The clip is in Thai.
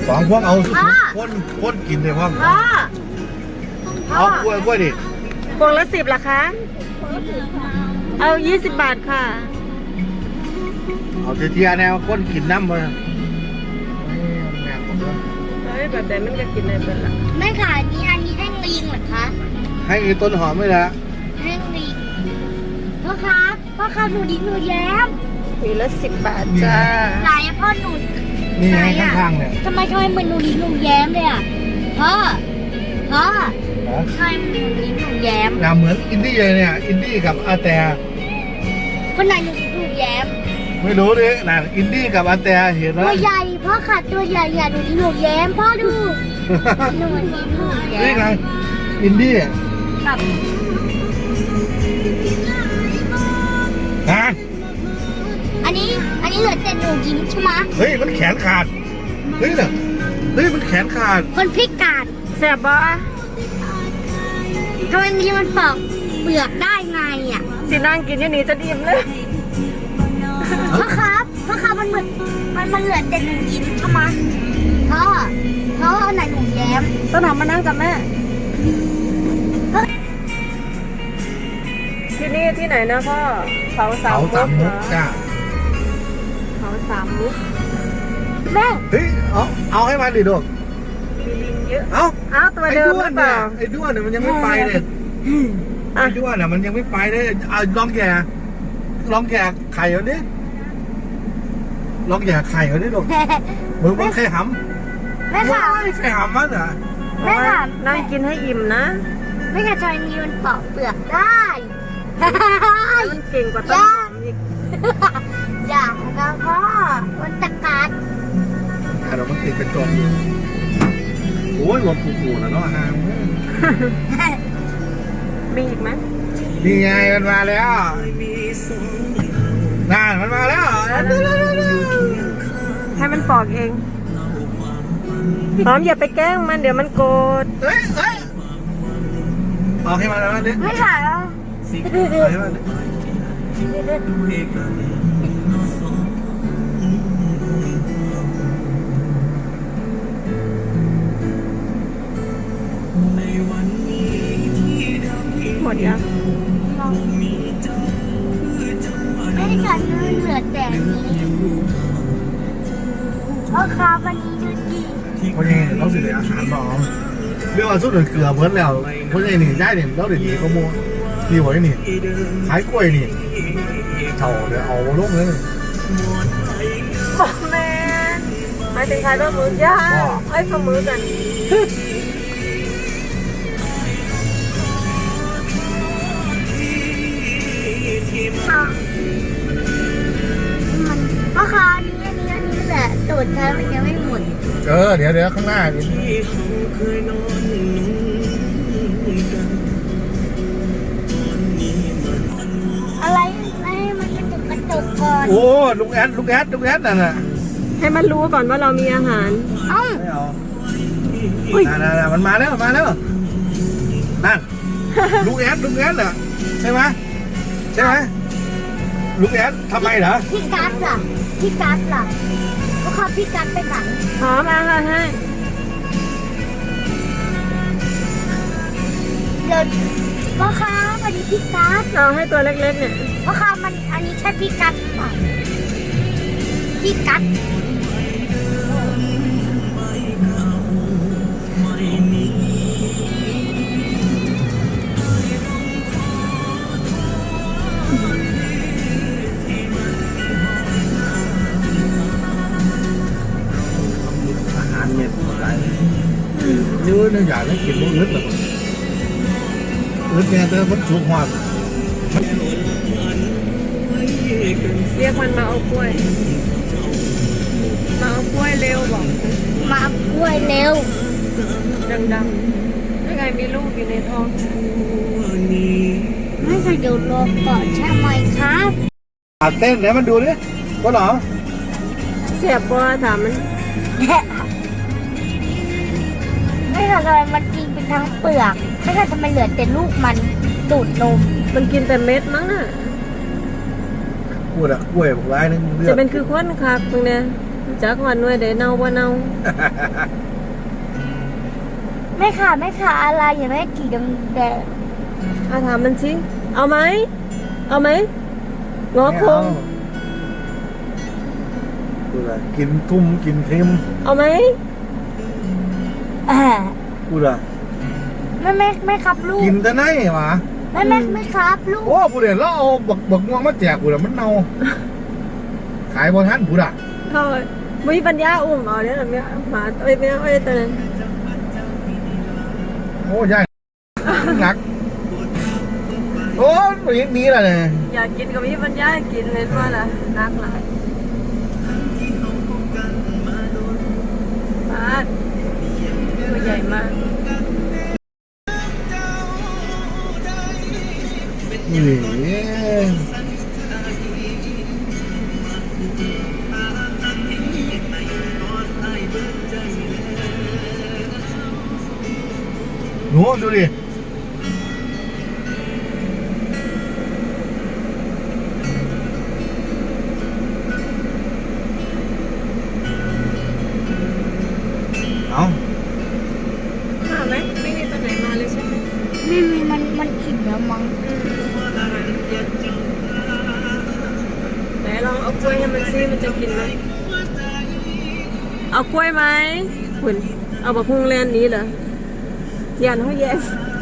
สองพวงเอาสุดคนกินเลยพ่อเอากล้วยดิพวงละ10ล่ะคะเอา20 บาทค่ะเอาเทียแนวคนกินน้ำมาเฮ้ยแบบไหนมันก็กินได้เป็นละไม่ค่ะอันนี้ให้ลิงเหรอคะให้ต้นหอมไม่ละให้ลิงพ่อครับหนูดิ้งหนูแย้มทีละ10 บาทจ้าไหนพ่อหนูนี่ไงข้างๆเนี่ยทำไมเหมือนหนูดิ้งหนูแย้มเลยอ่ะพ่อทำไมหนูดิ้งหนูแย้มเหมือนอินดี้เลยเนี่ยอินดี้กับอาแต่คนไหนหนูดิ้งหนูแย้มไม่รู้ดินั่นอินดี้กับอาแต่เห็นไหมตัวใหญ่พ่อขาดตัวใหญ่หนูดิ้งหนูแย้มพ่อดูหนูดิ้งหนูแย้มนี่ไงอินดี้แบบอันนี้เหลือแต่หนูยิ้มใช่ไหมเฮ้ยมันแขนขาดเฮ้ยมันแขนขาดคนพิการแซ่บบ่ทำไมมันปอกเปลือกได้ไงอ่ะสินั่งกินอย่างนี้จะดิ่มเลยพ่อครับมันเหมือนมันเหลือแต่หนูยิ้มใช่ไหมพ่อไหนหนูแย้มต้นหอมมานั่งกับแม่ที่นี่ที่ไหนนะพ่อเขาสามมุกจ้าเขาสามมุกแม่เฮ้ยเอาให้มันดิลูกมีลิงเยอะเอาตัวเดิมหรือเปล่าไอ้ด้วนเนี่ยมันยังไม่ไปเลยไอ้ด้วนเนี่ยมันยังไม่ไปเลยเอาลองแก่ไข่เอาดิลองแก่ไข่เอาดิลูกมึงมันไข่หำแม่ค่ะไข่หำมั้งเหรอแม่ค่ะนั่งกินให้อิ่มนะแม่ค่ะจอยมีมันปอกเปลือกได้มันเก่งกว่าต้นหอมอีกอย่านะพ่อมันตะกัดเรามันติดเป็นตัวโอ้ยรถฟูๆแล้วเนาะฮะมีอีกไหมนี่ไงมันมาแล้วนั่นมันมาแล้วให้มันปอกเองหอมอย่าไปแกล้งมันเดี๋ยวมันโกรธเฮ้ยออกให้มันแล้วดิไม่ค่ะหมดยังไม่ได้กันเหลือแต่นี้พ่อครับวันนี้ดูดีวันนี้เราสิเหลืออาหารบอมเรื่องว่าสุดเกลือเพิ่นแล้วเพราะไอ้นี่ได้เนี่ยเราเดี๋ยวนี้ก็โม่ดีกว่านี่ขายกล้วยนี่เท่าเดี๋ยวเอาลงเลยบอกแม่หมายถึงขายต้นมือย่างไอ้ข้าวมือกันพ่อคะอันนี้แหละตูดเธอมันยังไม่หมดเดี๋ยวข้างหน้าอะไรมันกระตุกก่อนโอ้ลุงแอดนั่นน่ะให้มันรู้ก่อนว่าเรามีอาหารไม่เอานั่นมันมาแล้วนั่นลุงแอดน่ะใช่ไหมลุงแอดทำไมเหรอพี่กั๊ดล่ะพ่อครับพี่กั๊ดไปไหนหอมอาหารให้เดี๋ยวพ่อครับอันนี้พี่กั๊ดเอาให้ตัวเล็กๆเนี่ยพ่อครับมันอันนี้ใช่พี่กั๊ดป่ะพี่กั๊ด nếu nó giả nó kịp một lít là lít nghe tới vẫn xuống hoa เรียกมันมาเอากล้วยเร็วบอกมาเอากล้วยเร็วดังๆยังไงมีลูกอยู่ในท้องไม่เคยดูโลกก่อนใช่ไหมครับเต้นไหนมันดูดิว่าหรอเสียบบัวถามมันไม่ค่ะทำไมมันกินเป็นทั้งเปลือกไม่ค่ะทำไมเหลือแต่ลูกมันดูดนมมันกินแต่เม็ดมั้งอ่ะพูดอะกล้วยบอกร้ายนึงจะเป็นคือควันคักตรงเนี้ยจจักวันด้วยเดี๋ยวเน่าว่าเน่าไม่ค่ะอะไรอย่าไม่กี่ดำแดงถามมันสิเอาไหมงอคงกูละกินทุ่มกินเค็มเอาไหมกูละไม่ครับลูกกินแต่ไหนวะไม่ครับลูกโอ้กูเดี๋ยวเราเอาบักม่วงมาแจกกูละมันเน่าขายบนท่านกูละเขาไม่มีปัญญาอุ้มเอาเนี่ยไม่หมาไม่เอาตอนนั้นโอ้ยายหนักโอ้ยยังดีละเนี่ยอยากกินก็มีปัญญากินเลยว่าล่ะนักหลายบ้านตัวใหญ่มากนี่หนูดูดิเอามาไหมไม่มีตัวไหนมาเลยใช่ไหมไม่มีมันอิ่มแล้วมั้งไหนลองเอากล้วยให้มันซิมันจะกินไหมเอากล้วยไหมคุณเอาบักฮุงแลนนี้เหรอยันเขาแย่